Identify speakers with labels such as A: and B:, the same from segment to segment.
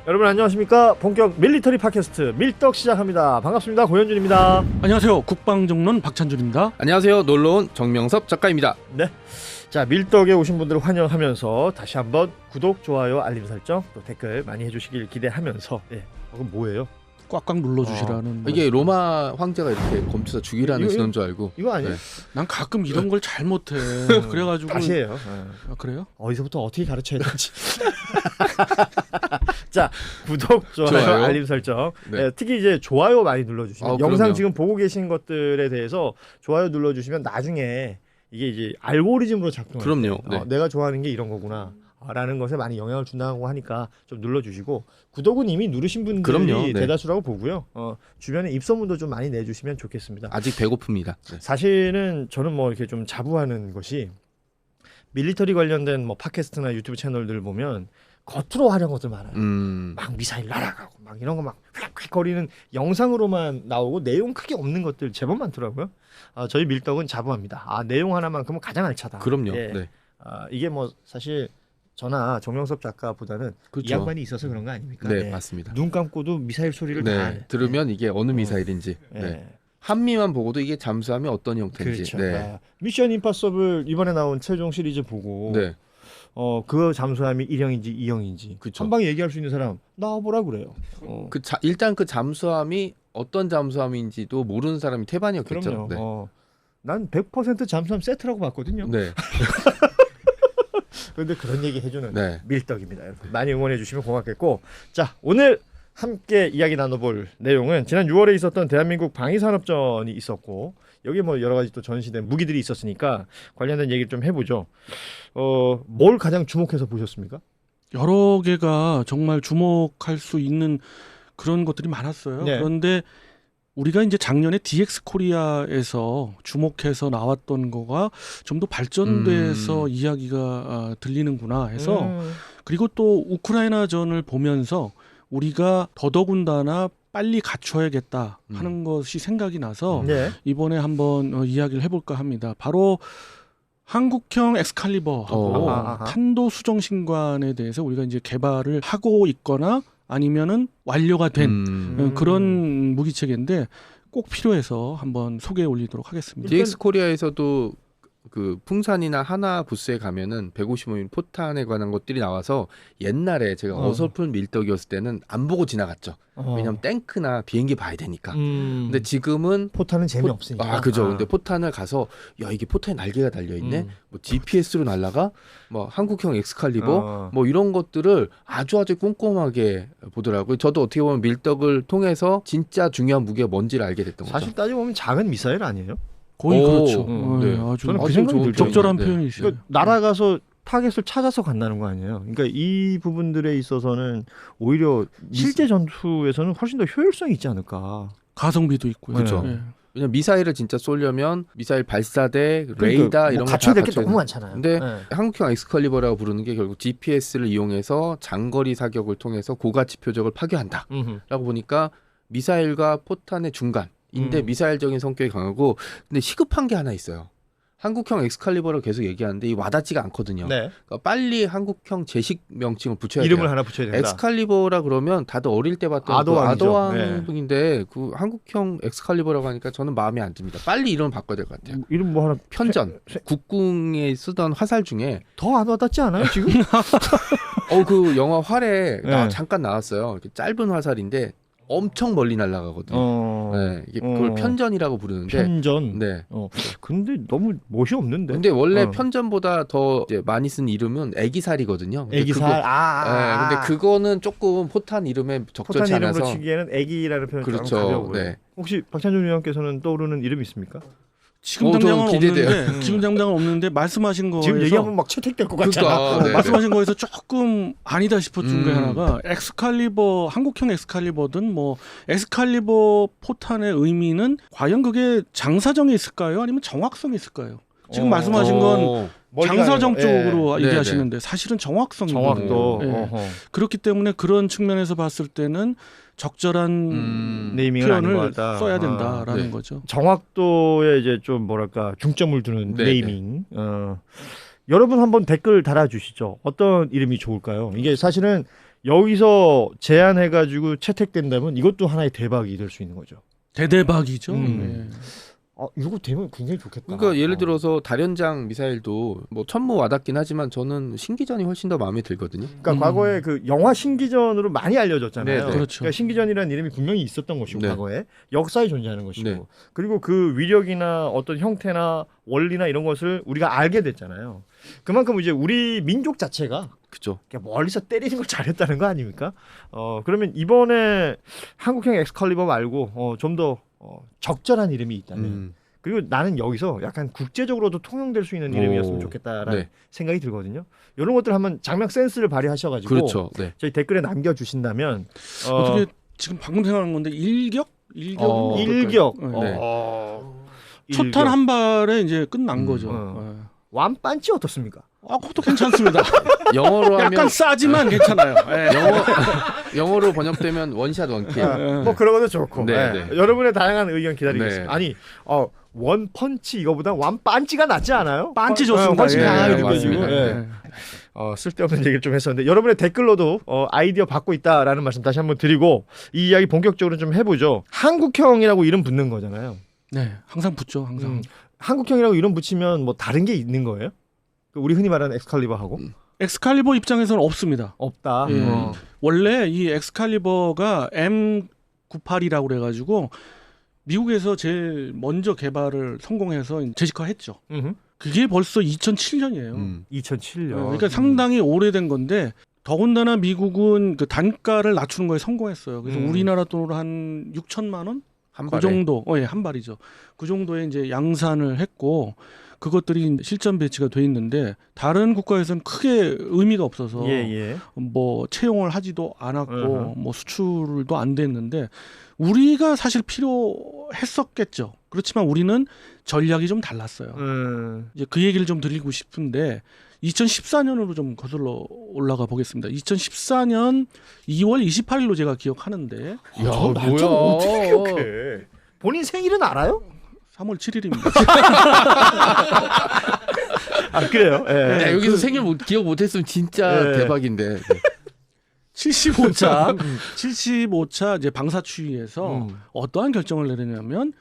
A: 여러분 안녕하십니까? 본격 밀리터리 팟캐스트 밀떡 시작합니다. 반갑습니다. 고현준입니다.
B: 안녕하세요. 국방정론 박찬준입니다.
C: 안녕하세요. 놀러온 정명섭 작가입니다.
A: 네. 자, 밀떡에 오신 분들을 환영하면서 다시 한번 구독, 좋아요, 알림 설정, 또 댓글 많이 해주시길 기대하면서 그건 뭐예요?
B: 꽉꽉 눌러주시라는.
C: 이게 로마 황제가 이렇게 검투사 죽이라는
A: 이거-
C: 신호인 줄 알고.
A: 이거 아니에요?
C: 네.
B: 난 가끔 이런 걸 잘못해. 그래가지고
A: 다시 해요.
B: 아, 그래요?
A: 어디서부터 어떻게 가르쳐야 될지. 자, 구독, 좋아요,
C: 좋아요.
A: 알림 설정.
C: 네.
A: 네, 특히 이제 좋아요 많이 눌러주시면
C: 그럼요.
A: 영상 지금 보고 계신 것들에 대해서 좋아요 눌러주시면 나중에 이게 이제 알고리즘으로 작동해요.
C: 그럼요. 네.
A: 내가 좋아하는 게 이런 거구나. 라는 것에 많이 영향을 준다고 하니까 좀 눌러주시고 구독은 이미 누르신 분들이
C: 그럼요. 네.
A: 대다수라고 보고요. 주변에 입소문도 좀 많이 내주시면 좋겠습니다.
C: 아직 배고픕니다. 네.
A: 사실은 저는 뭐 이렇게 좀 자부하는 것이 밀리터리 관련된 뭐 팟캐스트나 유튜브 채널들을 보면 겉으로 하려는 것들 많아요. 막 미사일 날아가고 막 이런 거 막 휙휙거리는 영상으로만 나오고 내용 크게 없는 것들 제법 많더라고요. 저희 밀떡은 자부합니다. 내용 하나만큼은 가장 알차다.
C: 그럼요.
A: 예.
C: 네.
A: 이게 뭐 사실 저나 정명섭 작가보다는
C: 그렇죠.
A: 이 양반이 있어서 그런 거 아닙니까?
C: 네,
A: 예.
C: 맞습니다.
A: 눈 감고도 미사일 소리를 다
C: 네. 들으면 이게 어느 미사일인지.
A: 예.
C: 네. 한미만 보고도 이게 잠수함이 어떤 형태인지.
A: 그렇죠.
C: 네.
A: 미션 임파서블 이번에 나온 최종 시리즈 보고
C: 네.
A: 그 잠수함이 1형인지 2형인지
C: 그쵸.
A: 한 방에 얘기할 수 있는 사람 나와보라 그래요.
C: 일단 그 잠수함이 어떤 잠수함인지도 모르는 사람이 태반이었겠죠.
A: 그럼요.
C: 네.
A: 난 100% 잠수함 세트라고 봤거든요.
C: 네.
A: 그런데 그런 얘기 해주는
C: 네.
A: 밀떡입니다. 여러분. 많이 응원해 주시면 고맙겠고, 자, 오늘 함께 이야기 나눠볼 내용은 지난 6월에 있었던 대한민국 방위산업전이 있었고 여기 뭐 여러 가지 또 전시된 무기들이 있었으니까 관련된 얘기를 좀 해보죠. 뭘 가장 주목해서 보셨습니까?
B: 여러 개가 정말 주목할 수 있는 그런 것들이 많았어요.
A: 네.
B: 그런데 우리가 이제 작년에 DX 코리아에서 주목해서 나왔던 거가 좀 더 발전돼서 이야기가 들리는구나 해서 그리고 또 우크라이나전을 보면서 우리가 더더군다나 빨리 갖춰야겠다 하는 것이 생각이 나서
A: 네.
B: 이번에 한번 이야기를 해볼까 합니다. 바로 한국형 엑스칼리버하고
A: 아하.
B: 탄도 수정 신관에 대해서 우리가 이제 개발을 하고 있거나 아니면은 완료가 된 그런 무기체계인데 꼭 필요해서 한번 소개해 올리도록 하겠습니다.
C: DX 코리아에서도 그 풍산이나 하나 부스에 가면은 155mm 포탄에 관한 것들이 나와서 옛날에 제가 어설픈 밀떡이었을 때는 안 보고 지나갔죠. 왜냐하면 탱크나 비행기 봐야 되니까. 근데 지금은
A: 포탄은 재미없으니까.
C: 그죠. 근데 포탄을 가서 야 이게 포탄에 날개가 달려 있네. 뭐 GPS로 날아가. 뭐 한국형 엑스칼리버. 뭐 이런 것들을 아주 꼼꼼하게 보더라고요. 저도 어떻게 보면 밀떡을 통해서 진짜 중요한 무게가 뭔지를 알게 됐던 거죠.
A: 사실 따지고 보면 작은 미사일 아니에요?
B: 거의 그렇죠.
C: 네.
B: 아주
A: 저는 그
C: 아주
A: 생각이
C: 좋은
A: 들죠.
B: 적절한
C: 네.
B: 표현이시죠.
A: 그러니까 날아가서 타겟을 찾아서 간다는 거 아니에요. 그러니까 이 부분들에 있어서는 오히려 실제 전투에서는 훨씬 더 효율성이 있지 않을까.
B: 가성비도 있고요.
A: 그렇죠.
B: 네.
C: 왜냐면 미사일을 진짜 쏘려면 미사일 발사대, 레이더 이런 거
A: 갖춰야
C: 다
A: 될 게
C: 갖춰야
A: 너무
C: 돼.
A: 많잖아요.
C: 근데
A: 네.
C: 한국형 엑스칼리버라고 부르는 게 결국 GPS를 이용해서 장거리 사격을 통해서 고가치 표적을 파괴한다. 라고 보니까 미사일과 포탄의 중간인데 미사일적인 성격이 강하고 근데 시급한 게 하나 있어요. 한국형 엑스칼리버를 계속 얘기하는데 이 와닿지가 않거든요.
A: 네.
C: 그러니까 빨리 한국형 제식 명칭을 붙여야
A: 이름을
C: 돼요.
A: 하나 붙여야 된다.
C: 엑스칼리버라 그러면 다들 어릴 때 봤던
A: 아도왕이죠.
C: 아도왕인데 그 한국형 엑스칼리버라고 하니까 저는 마음에 안 듭니다. 빨리 이름을 바꿔야 될 것 같아요.
A: 이름 뭐 하나
C: 편전 국궁에 쓰던 화살 중에
A: 더 안 와닿지 않아요 지금?
C: 그 영화 활에
A: 네.
C: 잠깐 나왔어요. 이렇게 짧은 화살인데 엄청 멀리 날아가거든요. 네, 이게 그걸 편전이라고 부르는데.
A: 편전.
C: 네.
A: 근데 너무 멋이 없는데.
C: 근데 원래 편전보다 더 이제 많이 쓴 이름은 애기살이거든요. 근데
A: 애기살.
C: 네, 근데 그거는 조금 포탄 이름에 적절치
A: 포탄 이름으로
C: 않아서.
A: 치기에는 애기라는 표현이 좀
C: 그렇죠.
A: 가벼워요.
C: 네.
A: 혹시 박찬준 의원께서는 떠오르는 이름 있습니까?
B: 지금
C: 좀
B: 당장은
C: 기대돼요.
B: 없는데 지금 당장은 없는데 말씀하신 거에서
A: 지금 얘기하면 막 채택될 것 같잖아.
C: 그러니까, 네.
B: 말씀하신 거에서 조금 아니다 싶었던 게 하나가 엑스칼리버 한국형 엑스칼리버든 뭐 엑스칼리버 포탄의 의미는 과연 그게 장사정에 있을까요? 아니면 정확성에 있을까요? 지금 말씀하신 건 장사정 쪽으로
A: 예.
B: 얘기하시는데 사실은 정확성이거든요.
A: 정확도.
B: 예. 그렇기 때문에 그런 측면에서 봤을 때는 적절한
A: 네이밍은 아닌 것
B: 표현을
A: 같다.
B: 써야 된다라는
C: 네.
B: 거죠.
A: 정확도에 이제 좀 뭐랄까 중점을 두는
C: 네,
A: 네이밍. 여러분 한번 댓글 달아주시죠. 어떤 이름이 좋을까요? 이게 사실은 여기서 제안해가지고 채택된다면 이것도 하나의 대박이 될 수 있는 거죠.
B: 대대박이죠.
A: 네. 이거 되면 굉장히 좋겠다.
C: 그러니까 예를 들어서 다련장 미사일도 뭐 천무 와닿긴 하지만 저는 신기전이 훨씬 더 마음에 들거든요.
A: 그러니까 과거에 그 영화 신기전으로 많이 알려졌잖아요.
C: 네, 네.
B: 그렇죠.
A: 그러니까 신기전이라는 이름이 분명히 있었던 것이고
C: 네.
A: 과거에 역사에 존재하는 것이고
C: 네.
A: 그리고 그 위력이나 어떤 형태나 원리나 이런 것을 우리가 알게 됐잖아요. 그만큼 이제 우리 민족 자체가
C: 그죠.
A: 그냥 멀리서 때리는 걸 잘했다는 거 아닙니까? 그러면 이번에 한국형 엑스칼리버 말고 좀 더 적절한 이름이 있다면 그리고 나는 여기서 약간 국제적으로도 통용될 수 있는 이름이었으면 좋겠다라는
C: 네.
A: 생각이 들거든요. 이런 것들 한번 장면 센스를 발휘하셔가지고
C: 그렇죠. 네.
A: 저희 댓글에 남겨주신다면
B: 어떻게 지금 방금 생각한 건데 일격?
A: 일격
C: 네.
B: 초탄 한 발에 이제 끝난 거죠.
A: 완반치 어떻습니까?
B: 그것도 괜찮습니다.
C: 영어로 하면
B: 약간 싸지만 괜찮아요.
C: 영어로 번역되면 원샷 원킬.
A: 뭐 그런 것도 좋고
C: 네,
A: 네.
C: 네.
A: 여러분의 다양한 의견 기다리겠습니다.
C: 네.
A: 아니 원펀치 이거보다 완반치가 낫지 않아요?
B: 반치 좋습니다.
A: 훨씬
B: 예,
A: 강하게
C: 네,
A: 느껴지고
C: 맞습니다.
A: 예.
B: 네.
A: 쓸데없는 얘기를 좀 했었는데 여러분의 댓글로도 아이디어 받고 있다라는 말씀 다시 한번 드리고 이 이야기 본격적으로 좀 해보죠. 한국형이라고 이름 붙는 거잖아요.
B: 네, 항상 붙죠. 항상.
A: 한국형이라고 이름 붙이면 뭐 다른 게 있는 거예요? 우리 흔히 말하는 엑스칼리버하고
B: 엑스칼리버 입장에서는 없습니다.
A: 없다.
B: 예. 원래 이 엑스칼리버가 M98이라고 그래가지고 미국에서 제일 먼저 개발을 성공해서 재직화했죠. 그게 벌써 2007년이에요.
A: 2007년.
B: 그러니까 상당히 오래된 건데 더군다나 미국은 그 단가를 낮추는 거에 성공했어요. 그래서 우리나라 돈으로 한 6천만 원?
C: 한
B: 그
C: 발에.
B: 정도, 한 발이죠. 그 정도에 이제 양산을 했고 그것들이 실전 배치가 돼 있는데 다른 국가에서는 크게 의미가 없어서 뭐 채용을 하지도 않았고 뭐 수출도 안 됐는데 우리가 사실 필요했었겠죠. 그렇지만 우리는 전략이 좀 달랐어요. 이제 그 얘기를 좀 드리고 싶은데 2014년으로 좀 거슬러 올라가 보겠습니다. 2014년 2월 28일로 제가 기억하는데
C: 야, 뭐야?
A: 어떻게 기억해? 본인 생일은 알아요?
B: 3월 7일입니다.
A: 그래요? 예.
C: 야, 여기서 생일 기억 못했으면 진짜 대박인데.
B: 75차 이제 방사추위에서 어떠한 결정을 내리냐면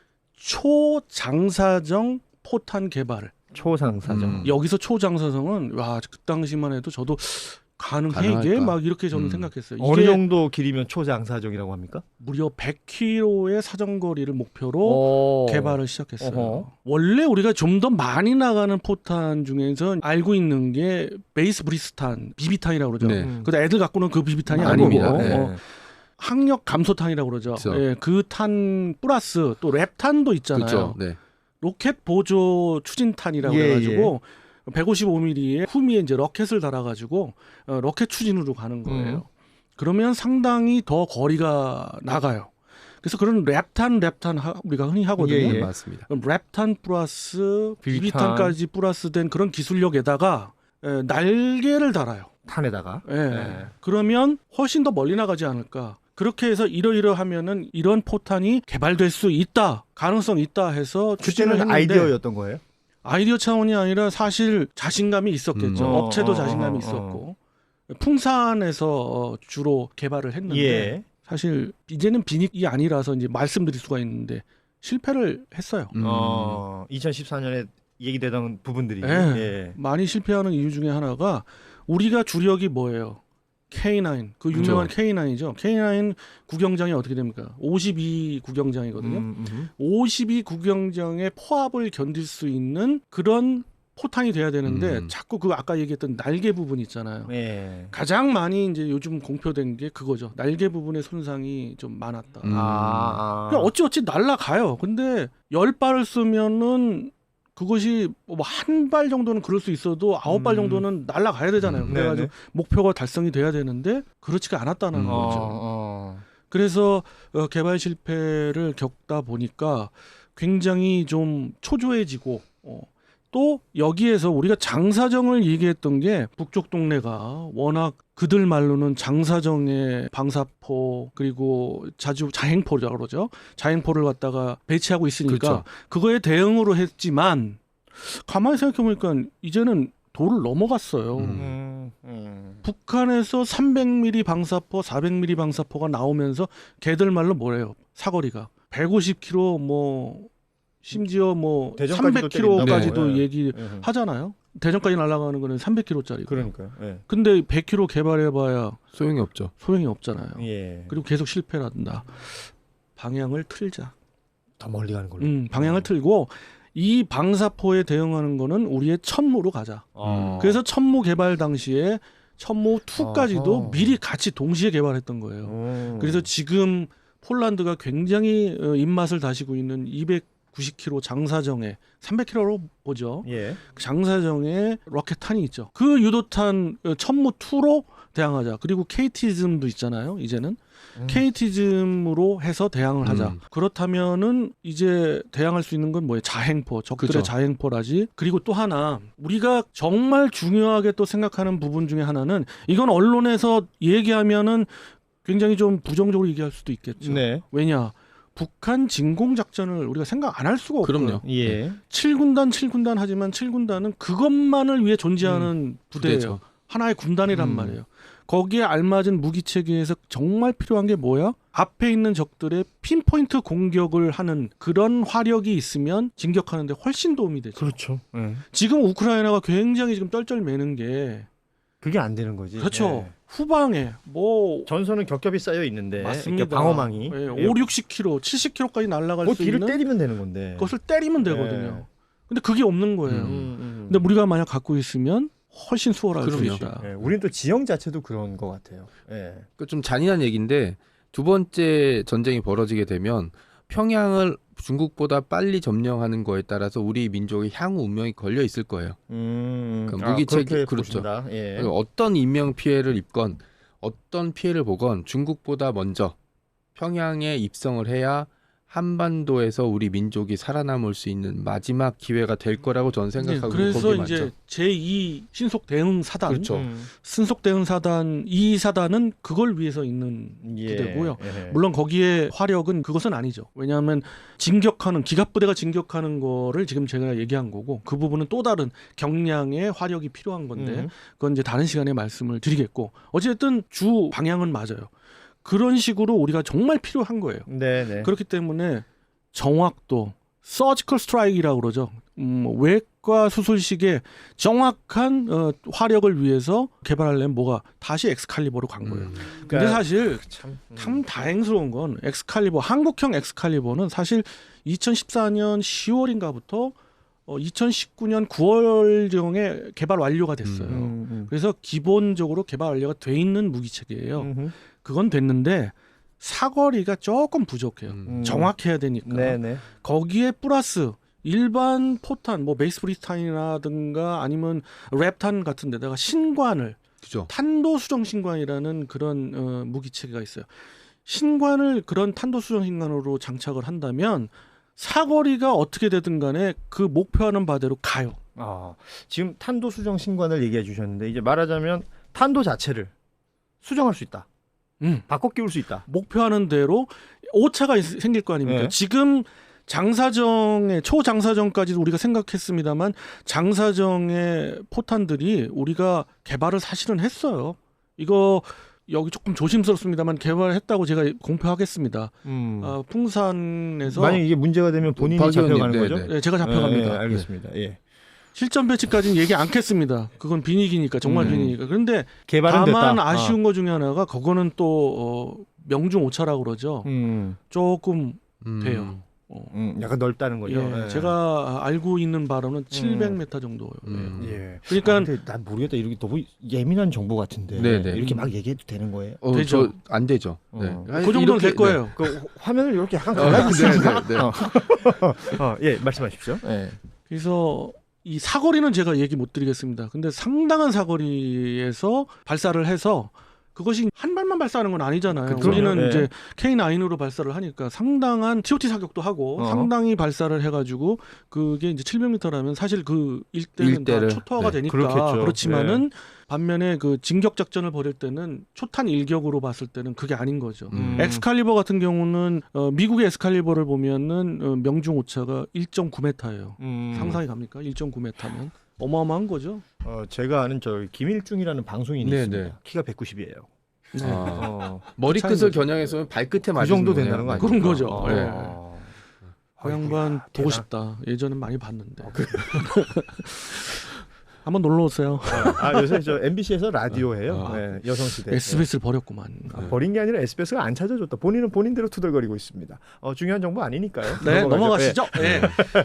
B: 초장사정 포탄 개발을.
A: 초장사정.
B: 여기서 초장사정은 그 당시만 해도 저도 가능해 이게 막 이렇게 저는 생각했어요.
A: 어느
B: 이게
A: 정도 길이면 초장사정이라고 합니까?
B: 무려 100km의 사정거리를 목표로 개발을 시작했어요. 원래 우리가 좀 더 많이 나가는 포탄 중에서 알고 있는 게 베이스 브리스탄, 비비탄이라고 그러죠. 근데 애들 갖고는 그 비비탄이
C: 아닙니다.
B: 아니고 항력 감소탄이라고 그러죠. 그 탄 플러스 또 랩탄도 있잖아요.
C: 그렇죠. 네.
B: 로켓 보조 추진탄이라고 해가지고 155mm의 후미에 이제 로켓을 달아가지고 로켓 추진으로 가는 거예요. 그러면 상당히 더 거리가 나가요. 그래서 그런 랩탄 우리가 흔히 하거든요.
C: 맞습니다.
B: 그럼 랩탄 플러스 비비탄까지 플러스된 그런 기술력에다가 날개를 달아요.
A: 탄에다가.
B: 그러면 훨씬 더 멀리 나가지 않을까. 그렇게 해서 이러이러하면은 이런 포탄이 개발될 수 있다, 가능성이 있다 해서 추진을 했는데
A: 아이디어였던 거예요?
B: 아이디어 차원이 아니라 사실 자신감이 있었겠죠. 업체도 자신감이 있었고 풍산에서 주로 개발을 했는데 사실 이제는 비닉이 아니라서 이제 말씀드릴 수가 있는데 실패를 했어요.
A: 2014년에 얘기되던 부분들이
B: 많이 실패하는 이유 중에 하나가 우리가 주력이 뭐예요? K9, 그 유명한 K9이죠. K9 구경장이 어떻게 됩니까? 52 구경장이거든요. 52 구경장의 포압을 견딜 수 있는 그런 포탄이 돼야 되는데 자꾸 그 아까 얘기했던 날개 부분 있잖아요. 가장 많이 이제 요즘 공표된 게 그거죠. 날개 부분의 손상이 좀 많았다. 그냥 어찌어찌 날아가요. 근데 10발을 쓰면은 그것이 뭐 한 발 정도는 그럴 수 있어도 9발 정도는 날아가야 되잖아요. 그래가지고 목표가 달성이 돼야 되는데 그렇지가 않았다는 거죠. 그래서 개발 실패를 겪다 보니까 굉장히 좀 초조해지고 또 여기에서 우리가 장사정을 얘기했던 게 북쪽 동네가 워낙 그들 말로는 장사정의 방사포 그리고 자주 자행포라고 그러죠. 자행포를 갖다가 배치하고 있으니까 그거에 대응으로 했지만 가만히 생각해보니까 이제는 도를 넘어갔어요. 북한에서 300mm 방사포, 400mm 방사포가 나오면서 걔들 말로 뭐래요? 사거리가 150km 뭐 심지어 뭐
A: 대전까지도
B: 300km까지도
A: 때린다고.
B: 얘기하잖아요. 대전까지 날아가는 거는 300km짜리.
A: 그러니까요. 예.
B: 근데 100km 개발해봐야
C: 소용이 없죠.
B: 소용이 없잖아요.
A: 예.
B: 그리고 계속 실패를 한다. 방향을 틀자.
A: 더 멀리 가는 걸로.
B: 방향을 틀고 이 방사포에 대응하는 거는 우리의 천무로 가자. 그래서 천무 개발 당시에 천무 2까지도
A: 아하.
B: 미리 같이 동시에 개발했던 거예요. 그래서 지금 폴란드가 굉장히 입맛을 다시고 있는 290km 장사정에 300km로 보죠.
A: 예.
B: 장사정에 로켓탄이 있죠. 그 유도탄 천무 2로 대항하자. 그리고 KT즘도 있잖아요. 이제는 KT즘으로 해서 대항을 하자. 그렇다면은 이제 대항할 수 있는 건 뭐예요? 자행포, 적들의
C: 그죠.
B: 자행포라지. 그리고 또 하나 우리가 정말 중요하게 또 생각하는 부분 중에 하나는 이건 언론에서 얘기하면은 굉장히 좀 부정적으로 얘기할 수도 있겠죠.
A: 네.
B: 왜냐? 북한 진공 작전을 우리가 생각 안 할 수가 없고요.
C: 그럼요.
A: 예.
B: 7군단 하지만 7군단은 그것만을 위해 존재하는 부대예요.
C: 부대죠.
B: 하나의 군단이란 말이에요. 거기에 알맞은 무기 체계에서 정말 필요한 게 뭐야? 앞에 있는 적들의 핀포인트 공격을 하는 그런 화력이 있으면 진격하는데 훨씬 도움이 되죠.
A: 그렇죠. 예.
B: 지금 우크라이나가 굉장히 지금 쩔쩔매는 게
A: 그게 안 되는 거지.
B: 그렇죠.
A: 예.
B: 후방에 뭐
A: 전선은 겹겹이 쌓여 있는데
B: 맞습니다.
A: 이렇게 방어망이
B: 예, 5, 60km, 70km까지 날아갈
A: 그
B: 수
A: 뒤를
B: 있는
A: 때리면 되는 건데.
B: 그것을 때리면 되거든요. 근데 그게 없는 거예요. 근데
A: 근데
B: 우리가 만약 갖고 있으면 훨씬 수월할 수
C: 그럼요.
B: 있다.
A: 예, 우리는 또 지형 자체도 그런 것 같아요. 예.
C: 그 좀 잔인한 얘기인데 두 번째 전쟁이 벌어지게 되면 평양을 중국보다 빨리 점령하는 거에 따라서 우리 민족의 향후 운명이 걸려 있을 거예요. 그러니까 무기체계
A: 그렇게
C: 그렇죠.
A: 보신다. 예.
C: 그러니까 어떤 인명 피해를 입건 어떤 피해를 보건 중국보다 먼저 평양에 입성을 해야 한반도에서 우리 민족이 살아남을 수 있는 마지막 기회가 될 거라고 저는 생각하고
B: 그래서
C: 거기에
B: 이제
C: 맞죠.
B: 제2 신속 대응 사단,
C: 그렇죠.
B: 신속 대응 사단 이 사단은 그걸 위해서 있는 부대고요.
A: 예.
B: 물론 거기에 화력은 그것은 아니죠. 왜냐하면 진격하는 기갑부대가 진격하는 거를 지금 제가 얘기한 거고 그 부분은 또 다른 경량의 화력이 필요한 건데 그건 이제 다른 시간에 말씀을 드리겠고 어쨌든 주 방향은 맞아요. 그런 식으로 우리가 정말 필요한 거예요.
A: 네네.
B: 그렇기 때문에 정확도, 서지컬 스트라이크라고 그러죠. 외과 수술식의 정확한 화력을 위해서 개발하려면 뭐가 다시 엑스칼리버로 간 거예요. 근데
A: 그러니까
B: 사실
A: 참
B: 다행스러운 건 엑스칼리버, 한국형 엑스칼리버는 사실 2014년 10월인가부터 2019년 9월경에 개발 완료가 됐어요. 그래서 기본적으로 개발 완료가 돼 있는 무기 체계예요. 그건 됐는데 사거리가 조금 부족해요. 정확해야 되니까.
A: 네네.
B: 거기에 플러스 일반 포탄, 뭐 베이스 브리탄이라든가 아니면 랩탄 같은 데다가 신관을
C: 그죠.
B: 탄도 수정 신관이라는 그런 무기 체계가 있어요. 신관을 그런 탄도 수정 신관으로 장착을 한다면 사거리가 어떻게 되든 간에 그 목표하는 바대로 가요.
A: 지금 탄도 수정 신관을 얘기해 주셨는데 이제 말하자면 탄도 자체를 수정할 수 있다. 바꿔 끼울 수 있다.
B: 목표하는 대로 오차가 생길 거 아닙니까?
A: 네.
B: 지금 장사정의 초장사정까지도 우리가 생각했습니다만 장사정의 포탄들이 우리가 개발을 사실은 했어요. 이거 여기 조금 조심스럽습니다만 개발했다고 제가 공표하겠습니다. 풍산에서
A: 만약 이게 문제가 되면 본인이
C: 박 의원님,
A: 잡혀가는
C: 네,
A: 거죠?
C: 네.
B: 네, 제가 잡혀갑니다.
A: 네, 알겠습니다. 예.
B: 실전 배치까지는 얘기 않겠습니다. 그건 비니기니까 정말 비니기니까. 그런데
A: 개발은
B: 다만
A: 됐다.
B: 아쉬운 것 중에 하나가 그거는 또 명중 오차라고 그러죠. 조금 돼요.
A: 약간 넓다는 거죠.
B: 예,
A: 예.
B: 제가 알고 있는 바로는 700m 정도예요.
A: 예.
B: 그러니까
A: 근데 난 모르겠다. 이렇게 너무 예민한 정보 같은데
C: 네네.
A: 이렇게 막 얘기해도 되는 거예요?
B: 되죠.
C: 안 되죠. 네.
B: 그 정도는 될 거예요.
A: 그 화면을 이렇게 약간
C: 네,
A: 갈라주시면
C: 네, 네.
A: 예, 말씀하십시오. 예.
B: 그래서 이 사거리는 제가 얘기 못 드리겠습니다. 근데 상당한 사거리에서 발사를 해서 그것이 한 발만 발사하는 건 아니잖아요.
A: 그렇죠.
B: 우리는
A: 네.
B: 이제 K9으로 발사를 하니까 상당한 TOT 사격도 하고 상당히 발사를 해가지고 그게 이제 700m라면 사실 그 일대는 다
C: 일대를,
B: 초토화가
C: 네.
B: 되니까
A: 그렇겠죠.
B: 그렇지만은 반면에 그 진격 작전을 벌일 때는 초탄 일격으로 봤을 때는 그게 아닌 거죠. 엑스칼리버 같은 경우는 미국의 엑스칼리버를 보면은 명중 오차가 1.9m예요. 상상이 갑니까? 1.9m면 어마어마한 거죠.
A: 제가 아는 저 김일중이라는 방송인이
C: 네,
A: 있습니다.
C: 네.
A: 키가 190이에요.
B: 네.
C: 머리끝을 겨냥해서 발끝에
A: 그
C: 맞으신
A: 정도
C: 거네요.
A: 된다는 거 아니에요?
B: 그런 거죠. 네. 그 양반 보고
A: 대단-
B: 싶다. 예전엔 많이 봤는데. 한번 놀러 오세요.
A: 요새 저 MBC에서 라디오 해요.
C: 아.
A: 네, 여성시대.
B: SBS를 버렸구만.
A: 버린 게 아니라 SBS가 안 찾아줬다. 본인은 본인대로 투덜거리고 있습니다. 중요한 정보 아니니까요.
B: 네,
A: 넘어가죠.
B: 넘어가시죠. 네.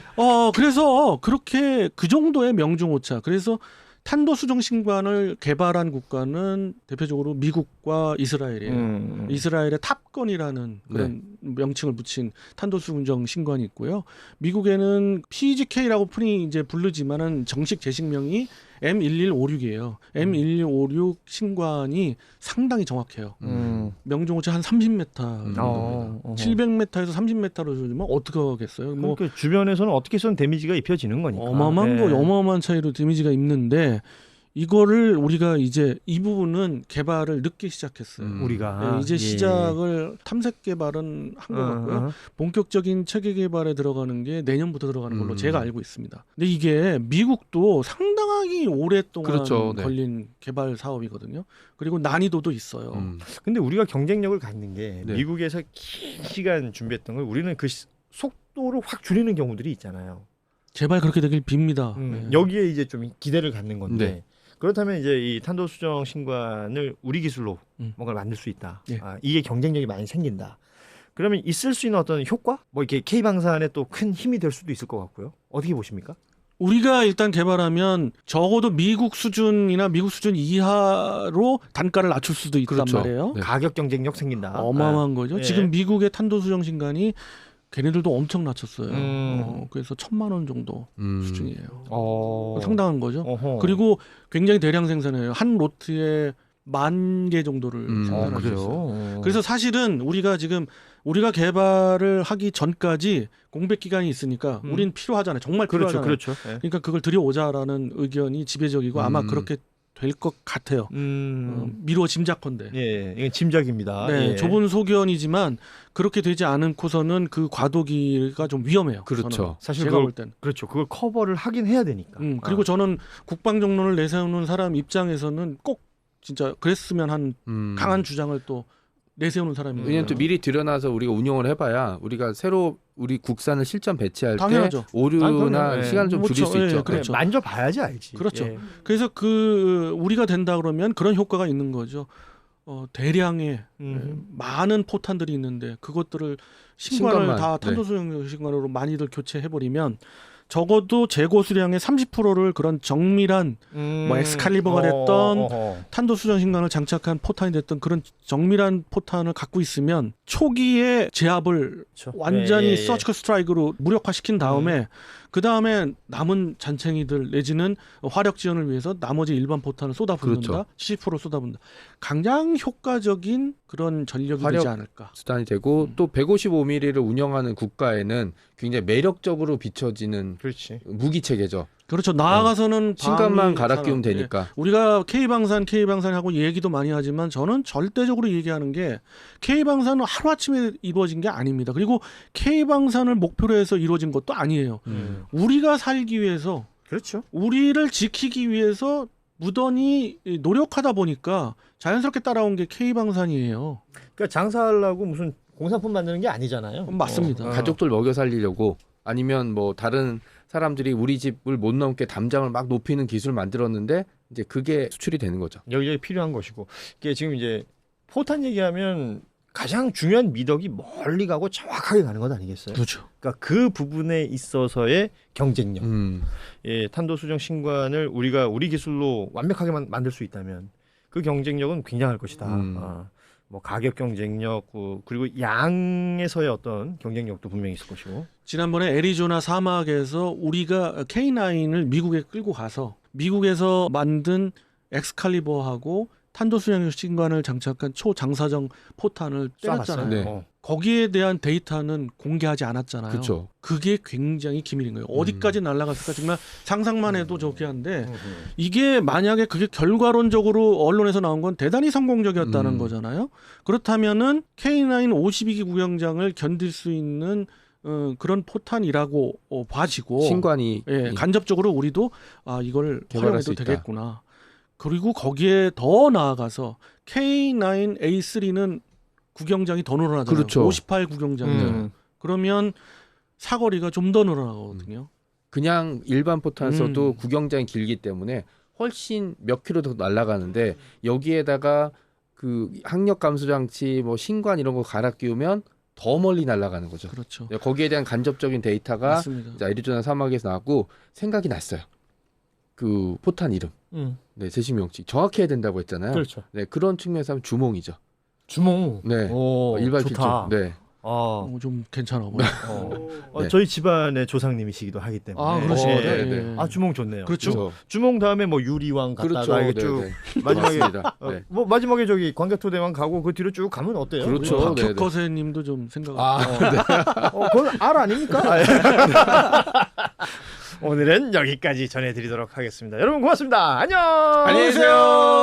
B: 그래서 그렇게 그 정도의 명중오차. 그래서 탄도 수정 신관을 개발한 국가는 대표적으로 미국과 이스라엘이에요. 이스라엘의 탑건이라는 그런 명칭을 붙인 탄도 수정 신관이 있고요. 미국에는 PGK라고 흔히 이제 부르지만은 정식 제식명이 M1156이에요. M1156 신관이 상당히 정확해요. 명중오차 한 30m 정도입니다. 700m에서 30m로 주면 어떻게 하겠어요? 뭐
A: 그러니까 주변에서는 어떻게든 데미지가 입혀지는 거니까.
B: 어마어마한 차이로 데미지가 입는데 이거를 우리가 이제 이 부분은 개발을 늦게 시작했어요.
A: 우리가
B: 이제 시작을 탐색 개발은 한 것 같고요. 본격적인 체계 개발에 들어가는 게 내년부터 들어가는 걸로 제가 알고 있습니다. 근데 이게 미국도 상당히 오랫동안
C: 그렇죠. 네.
B: 걸린 개발 사업이거든요. 그리고 난이도도 있어요.
A: 근데 우리가 경쟁력을 갖는 게
C: 네.
A: 미국에서 긴 시간 준비했던 걸 우리는 그 속도를 확 줄이는 경우들이 있잖아요.
B: 제발 그렇게 되길 빕니다. 네.
A: 여기에 이제 좀 기대를 갖는 건데
C: 네.
A: 그렇다면 이제 이 탄도 수정 신관을 우리 기술로 뭔가를 만들 수 있다.
B: 예.
A: 이게 경쟁력이 많이 생긴다. 그러면 있을 수 있는 어떤 효과? 뭐 이렇게 K 방산에 또 큰 힘이 될 수도 있을 것 같고요. 어떻게 보십니까?
B: 우리가 일단 개발하면 적어도 미국 수준이나 미국 수준 이하로 단가를 낮출 수도 있단
C: 그렇죠.
B: 말이에요.
C: 네.
A: 가격 경쟁력 생긴다.
B: 어마어마한 거죠.
A: 예.
B: 지금 미국의 탄도 수정 신관이 걔네들도 엄청 낮췄어요. 그래서 1,000만 원 정도 수준이에요. 상당한 거죠.
A: 어허.
B: 그리고 굉장히 대량 생산해요. 한 로트에 10,000개 정도를 생산할 수 있어요. 그래서 사실은 우리가 개발을 하기 전까지 공백 기간이 있으니까 우린 필요하잖아요. 정말 필요하잖아요.
A: 그렇죠.
B: 그러니까 그걸 들여오자라는 의견이 지배적이고 아마 그렇게 될 것 같아요. 미루어 짐작컨대.
A: 예, 이건 짐작입니다.
B: 네,
A: 예.
B: 좁은 소견이지만 그렇게 되지 않고서는 그 과도기가 좀 위험해요.
C: 그렇죠.
B: 저는.
A: 사실
B: 제가
A: 그걸-
B: 볼 땐.
A: 그렇죠. 그걸 커버를 하긴 해야 되니까.
B: 그리고 저는 국방정론을 내세우는 사람 입장에서는 꼭 진짜 그랬으면 한 강한 주장을 또 내세우는 사람이에요.
C: 왜냐면 또 미리 들여놔서 우리가 운영을 해봐야 우리가 새로 우리 국산을 실전 배치할
B: 당연하죠.
C: 때 오류나
A: 그럼요. 예.
C: 시간을 좀 줄일
B: 그렇죠.
C: 수 있죠.
B: 예, 그렇죠.
A: 만져봐야지 알지.
B: 그렇죠.
A: 예.
B: 그래서 우리가 된다 그러면 그런 효과가 있는 거죠. 대량의 많은 포탄들이 있는데 그것들을 신관을
C: 신관만,
B: 다 탄도수용 신관으로 많이들 교체해버리면 적어도 재고 수량의 30%를 그런 정밀한 뭐 엑스칼리버가 됐던 탄도 수정 신관을 장착한 포탄이 됐던 그런 정밀한 포탄을 갖고 있으면 초기에 제압을
A: 그렇죠.
B: 완전히 서지컬 스트라이크로 무력화시킨 다음에 그 다음에 남은 잔챙이들 내지는 화력 지원을 위해서 나머지 일반 포탄을 쏟아붓는다.
C: 그렇죠.
B: 70% 쏟아붓는다. 가장 효과적인 그런 전력이
C: 화력
B: 되지 않을까.
C: 수단이 되고 또 155mm를 운영하는 국가에는 굉장히 매력적으로 비춰지는
A: 그렇지.
C: 무기 체계죠.
B: 그렇죠. 나아가서는
C: 신관만
B: 방위
C: 갈아 끼우면
B: 산업, 예.
C: 되니까.
B: 우리가 K방산하고 얘기도 많이 하지만 저는 절대적으로 얘기하는 게 K방산은 하루아침에 이루어진 게 아닙니다. 그리고 K방산을 목표로 해서 이루어진 것도 아니에요. 우리가 살기 위해서
A: 그렇죠.
B: 우리를 지키기 위해서 무던히 노력하다 보니까 자연스럽게 따라온 게 K방산이에요.
A: 그러니까 장사하려고 무슨 공산품 만드는 게 아니잖아요.
B: 맞습니다.
C: 가족들 먹여 살리려고 아니면 뭐 다른 사람들이 우리 집을 못 넘게 담장을 막 높이는 기술을 만들었는데 이제 그게 수출이 되는 거죠.
A: 여기저기 필요한 것이고 이게 지금 이제 포탄 얘기하면 가장 중요한 미덕이 멀리 가고 정확하게 가는 것 아니겠어요?
B: 그렇죠.
A: 그러니까 그 부분에 있어서의 경쟁력. 예, 탄도 수정 신관을 우리가 우리 기술로 완벽하게 만들 수 있다면 그 경쟁력은 굉장할 것이다. 뭐 가격 경쟁력 그리고 양에서의 어떤 경쟁력도 분명히 있을 것이고.
B: 지난번에 애리조나 사막에서 우리가 K9을 미국에 끌고 가서 미국에서 만든 엑스칼리버하고 탄도 수령 신관을 장착한 초장사정 포탄을 때렸잖아요.
C: 네.
B: 거기에 대한 데이터는 공개하지 않았잖아요.
C: 그렇죠.
B: 그게 굉장히 기밀인 거예요. 어디까지 날아갔을까 정말 상상만 해도 좋게 한데 이게 만약에 그게 결과론적으로 언론에서 나온 건 대단히 성공적이었다는 거잖아요. 그렇다면은 K9 52기 구경장을 견딜 수 있는 그런 포탄이라고 봐지고
C: 신관이
B: 예, 간접적으로 우리도 이걸
C: 개발할 수
B: 활용해도
C: 있다.
B: 되겠구나. 그리고 거기에 더 나아가서 K9A3는 구경장이 더 늘어나잖아요.
C: 그렇죠.
B: 58 구경장. 그러면 사거리가 좀 더 늘어나거든요.
C: 그냥 일반 포탄 써도 구경장이 길기 때문에 훨씬 몇 킬로 더 날아가는데 여기에다가 그 항력 감소 장치 뭐 신관 이런 거 갈아 끼우면 더 멀리 날아가는 거죠.
B: 그렇죠.
C: 거기에 대한 간접적인 데이터가
B: 맞습니다.
C: 애리조나 사막에서 나왔고 생각이 났어요. 그 포탄 이름. 네, 제식 명칭 정확해야 된다고 했잖아요.
A: 그렇죠.
C: 네, 그런 측면에서 하면 주몽이죠.
A: 주몽.
C: 네.
A: 오,
C: 일반
A: 좋다.
C: 필종. 네.
B: 좀 괜찮아 보여.
C: 네.
A: 저희 집안의 조상님이시기도 하기 때문에.
B: 그러시구나.
C: 네,
B: 예.
C: 네.
A: 주몽 좋네요.
B: 그렇죠.
A: 주몽 다음에 뭐 유리왕 갔다가
C: 그렇죠.
A: 이게
C: 네,
A: 쭉
C: 네.
A: 마지막에
C: 맞습니다. 네.
A: 뭐 마지막에 저기 광개토대왕 가고 그 뒤로 쭉 가면 어때요?
C: 그렇죠.
A: 우리가?
C: 네, 네.
B: 박혁거세님도 좀 생각.
A: 그건 알 아닙니까? 오늘은 여기까지 전해드리도록 하겠습니다. 여러분 고맙습니다. 안녕.
C: 안녕히 계세요.